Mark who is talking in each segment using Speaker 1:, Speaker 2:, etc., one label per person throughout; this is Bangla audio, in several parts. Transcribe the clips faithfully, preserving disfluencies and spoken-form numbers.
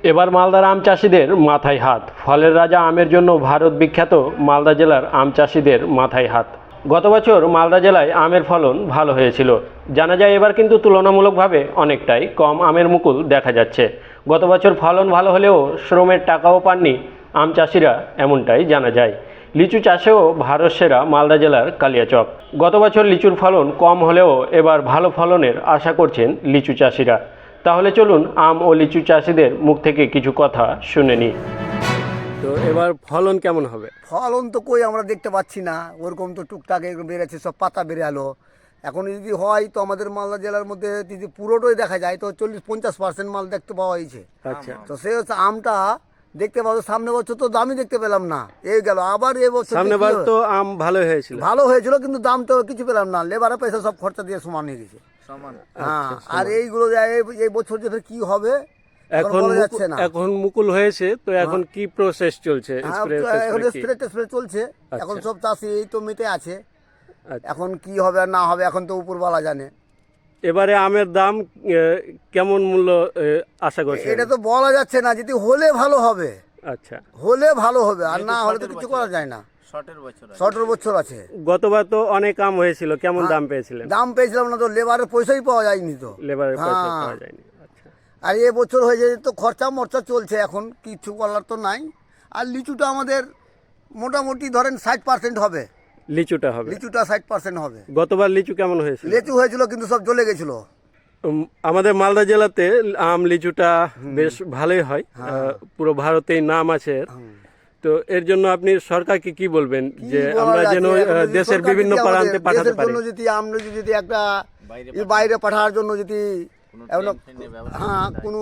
Speaker 1: এবার মালদার আম চাষিদের মাথায় হাত। ফলের রাজা আমের জন্য ভারত বিখ্যাত মালদা জেলার আম চাষিদের মাথায় হাত। গত বছর মালদা জেলায় আমের ফলন ভালো হয়েছিল। জানা যায় এবার কিন্তু তুলনামূলকভাবে অনেকটাই কম আমের মুকুল দেখা যাচ্ছে। গত বছর ফলন ভালো হলেও শ্রমের টাকাও পাননি আম চাষিরা, এমনটাই জানা যায়। লিচু চাষেও ভারত সেরা মালদা জেলার কালিয়াচক। গত বছর লিচুর ফলন কম হলেও এবার ভালো ফলনের আশা করছেন লিচু চাষিরা। তাহলে চলুন আম ও লিচু চাষিদের মুখ থেকে কিছু কথা শুনে নিই। তো এবার ফলন কেমন হবে?
Speaker 2: ফলন তো কই আমরা দেখতে পাচ্ছি না, ওরকম তো টুকটাক এরকম বেড়েছে, সব পাতা বেড়ে এলো। এখন যদি হয় তো আমাদের মালদা জেলার মধ্যে যদি পুরোটাই দেখা যায় তো চল্লিশ পঞ্চাশ পার্সেন্ট মাল দেখতে পাওয়া হয়েছে।
Speaker 1: আচ্ছা,
Speaker 2: তো সে হচ্ছে আমটা দেখতে পাবো। সামনে বছর তো দামই দেখতে পেলাম না, এই গেল আবার এ বছর
Speaker 1: সামনে বার তো আম ভালো হয়েছিল,
Speaker 2: ভালো হয়েছিল কিন্তু দাম তো কিছু পেলাম না। লেবারের পয়সা সব খরচা দিয়ে সমান হয়ে গেছে। হ্যাঁ, আর এইগুলো যে এই- এই বছর যে ফের কি হবে
Speaker 1: এখন
Speaker 2: বলা
Speaker 1: মুকু-
Speaker 2: যাচ্ছে না।
Speaker 1: এখন মুকুল হয়েছে তো এখন কি প্রসেস চলছে?
Speaker 2: হ্যাঁ,
Speaker 1: স্প্রে
Speaker 2: তো এখন স্প্রে টেস্প্রে চলছে। এখন সব চাষি এই তো মেতে আছে। এখন কি হবে আর না হবে এখন তো উপরওয়ালা জানে।
Speaker 1: এবারে আমের দাম আহ, কেমন মূল্য আহ, আশা করছে?
Speaker 2: এটা তো বলা যাচ্ছে না, যদি হলে ভালো হবে,
Speaker 1: আচ্ছা,
Speaker 2: হলে ভালো হবে, আর না হলে তো কিছু করা যায় না। সতেরো বছর আছে।
Speaker 1: গতবার তো অনেক আম হয়েছিল, কেমন দাম পেয়েছিলেন?
Speaker 2: দাম পেয়েছিলাম না তো, লেবারের পয়সাই পাওয়া যায়নি তো।
Speaker 1: লেবারের পয়সা
Speaker 2: হ্যাঁ।
Speaker 1: পাওয়া যায়নি। আচ্ছা,
Speaker 2: আর এ বছর হয়ে যায় তো খরচা মরচা চলছে, এখন কিছু করার তো নাই। আর লিচুটা আমাদের মোটামুটি ধরেন ষাট পার্সেন্ট হবে।
Speaker 1: লিচুটা হবে,
Speaker 2: লিচুটা ষাট পার্সেন্ট হবে।
Speaker 1: গতবার লিচু কেমন হয়েছিল?
Speaker 2: লিচু হয়েছিল কিন্তু সব জ্বলে গেছিল।
Speaker 1: উম, আমাদের মালদা জেলাতে আম লিচুটা বেশ ভালোই হয়, আহ, পুরো ভারতেই নাম আছে এর। তো এর জন্য আপনি সরকারকে কি বলবেন যে
Speaker 2: কি বলা
Speaker 1: আমরা
Speaker 2: যাচ্ছে,
Speaker 1: যেন
Speaker 2: এখন
Speaker 1: আহ,
Speaker 2: যদি
Speaker 1: দেশের
Speaker 2: সরকার
Speaker 1: বিভিন্ন
Speaker 2: যদি আমাদের
Speaker 1: প্রান্তে পাঠাতে
Speaker 2: দেশের
Speaker 1: পারি?
Speaker 2: জন্য যদি আমরা যদি একটা ই বাইরে পাঠানোর জন্য যদি এমন- হ্যাঁ কোনো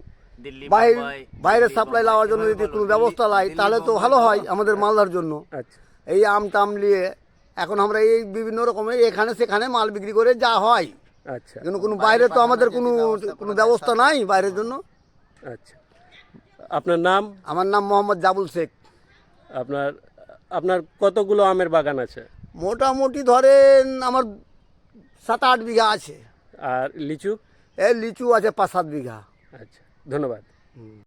Speaker 2: বাইরে বাইরে সাপ্লাই লাওয়ার জন্য যদি কোনো ব্যবস্থা লাই তাহলে তো ভালো হয় আমাদের মালদার জন্য।
Speaker 1: আচ্ছা,
Speaker 2: এই আম টাম নিয়ে এখন আমরা এই বিভিন্ন রকমের এখানে সেখানে মাল বিক্রি করে যা হয়,
Speaker 1: আচ্ছা,
Speaker 2: কিন্তু কোনো বাইরে তো আমাদের কোনো কোনো ব্যবস্থা নাই বাইরের জন্য।
Speaker 1: আচ্ছা। আপনার নাম?
Speaker 2: আমার নাম মোহাম্মদ জাবুল শেখ।
Speaker 1: আপনার আপনার কতগুলো আমের বাগান আছে?
Speaker 2: মোটামুটি ধরেন আমার সাত আট বিঘা আছে।
Speaker 1: আর লিচু?
Speaker 2: এই লিচু আছে পাঁচ সাত বিঘা।
Speaker 1: আচ্ছা, ধন্যবাদ।